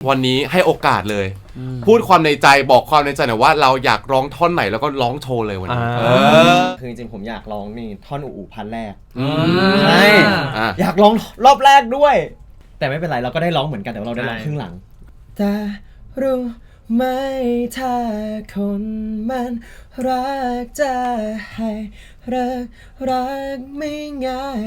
วันนี้ให้โอกาสเลยพูดความในใจบอกความในใจหน่อยว่าเราอยากร้องท่อนไหนแล้วก็ร้องโชว์เลยวันนี้คือจริงๆผมอยากร้องนี่ท่อนอู่พันแรกใช่อยากร้องรอบแรกด้วยแต่ไม่เป็นไรเราก็ได้ร้องเหมือนกันแต่เราได้ร้องครึ่งหลังแต่รู้ไหมถ้าคนมันรักจะให้รักไม่ง่าย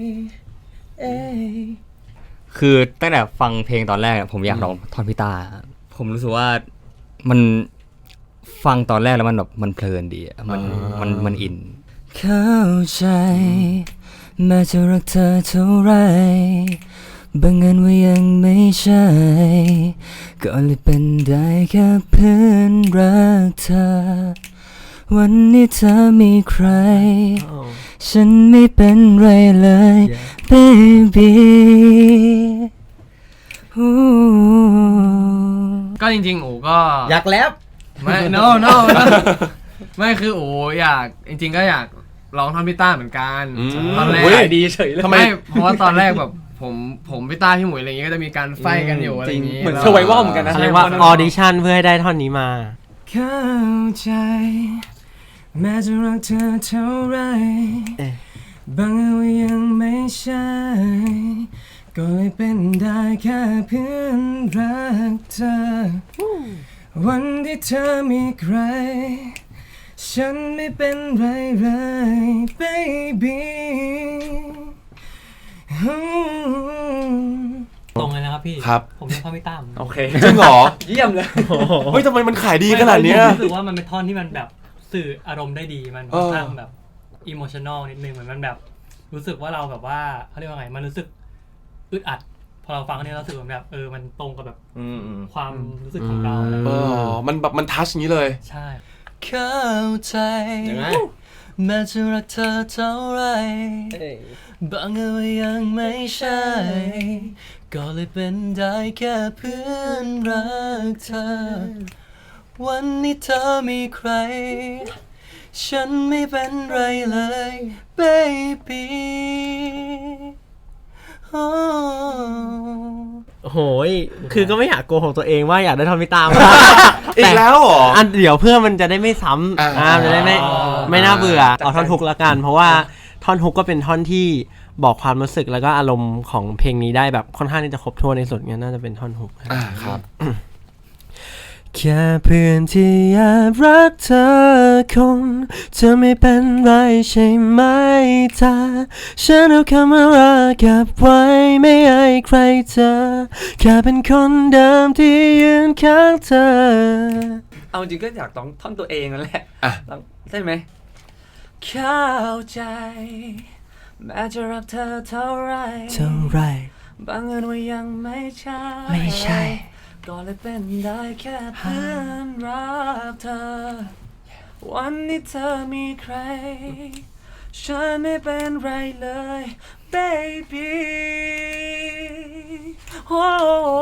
คือตั้งแต่ฟังเพลงตอนแรกผมอยากร้องท่อนพิตาผมรู้สึกว่ามันฟังตอนแรกแล้วมันแบบมันเพลินดีมันอินเข้าใจแม้จะรักเธอเท่าไรบางเงินว่ายังไม่ใช่ก็เลยเป็นได้แค่เพื่อนรักเธอวันนี้เธอมีใครฉันไม่เป็นไรเลย baby ก็จริงๆอู๋ก็อยากแรปไม่ no ไม่คืออู๋อยากจริงๆก็อยากร้องท่อนพี่ต้าเหมือนกันตอนแรกดีเฉยเลยไม่เพราะว่าตอนแรกแบบผมพี่ต้าพี่หมวยอะไรอย่างเงี้ยก็จะมีการไฟกันอยู่อะไรอย่างงี้เหมือนเซอร์ไววัลเหมือนกันนะเรียกว่าออดิชั่นเพื่อให้ได้ท่อนนี้มาเข้าใจแม้จะรักเธอเท่าไรบางเรื่องยังไม่ใช่ก็เลยเป็นได้แค่เพื่อนรักเธอวันที่เธอมีใครฉันไม่เป็นไรเลย baby ตรงเลยนะครับพี่ครับผมเล่นท่อนพี่ตั้มโอเคจริงเหรอเยี่ยมเลยเฮ้ยทำไมมันขายดีขนาดนี้ผมรู้สึกว่ามันเป็นท่อนที่มันแบบสื่ออารมณ์ได้ดีมันค่อนข้างแบบอิโมชันนอลนิดนึงเหมือนมันแบบรู้สึกว่าเราแบบว่าเขาเรียกว่าไงมันรู้สึกอึดอัดพอเราฟังเนี่ยเราสึกแบบมันตรงกับแบบความรู้สึกของเรามันแบบมันทัชอย่างนี้เลยใช่เข้าใจแม้จะรักเธอเท่าไรบางเรื่องยังไม่ใช่ก็เลยเป็นได้แค่เพื่อนรักเธอวันนี้เธอมีใครฉันไม่เป็นไรเลย baby โอ้โหคือก็ไม่อยากโกหกตัวเองว่าอยากได้ท่อนพิตาอีกแล้วเหรอเดี๋ยวเพื่อมันจะได้ไม่ซ้ำจะได้ไม่น่าเบื่อเอาท่อนฮุกละกันเพราะว่าท่อนฮุกก็เป็นท่อนที่บอกความรู้สึกแล้วก็อารมณ์ของเพลงนี้ได้แบบค่อนข้างที่จะครบถ้วนในสุดงั้นน่าจะเป็นท่อนฮุกครับแค่เพื่อนที่อยากรักเธอคงจะไม่เป็นไรใช่ไหมถ้าฉันเอาคำว่ารักเก็บไว้ไม่ให้ใครเจอแค่เป็นคนเดิมที่ยืนข้างเธอเอาจริงก็อยากต้องท่อนตัวเองนั่นแหละใช่ไหมเข้าใจแม้จะรักเธอเท่าไรบางเรื่องว่ายังไม่ใช่ก็เลยเป็นได้แค่เพื่อนรักเธอวันนี้เธอมีใครฉันไม่เป็นไรเลย baby โอ้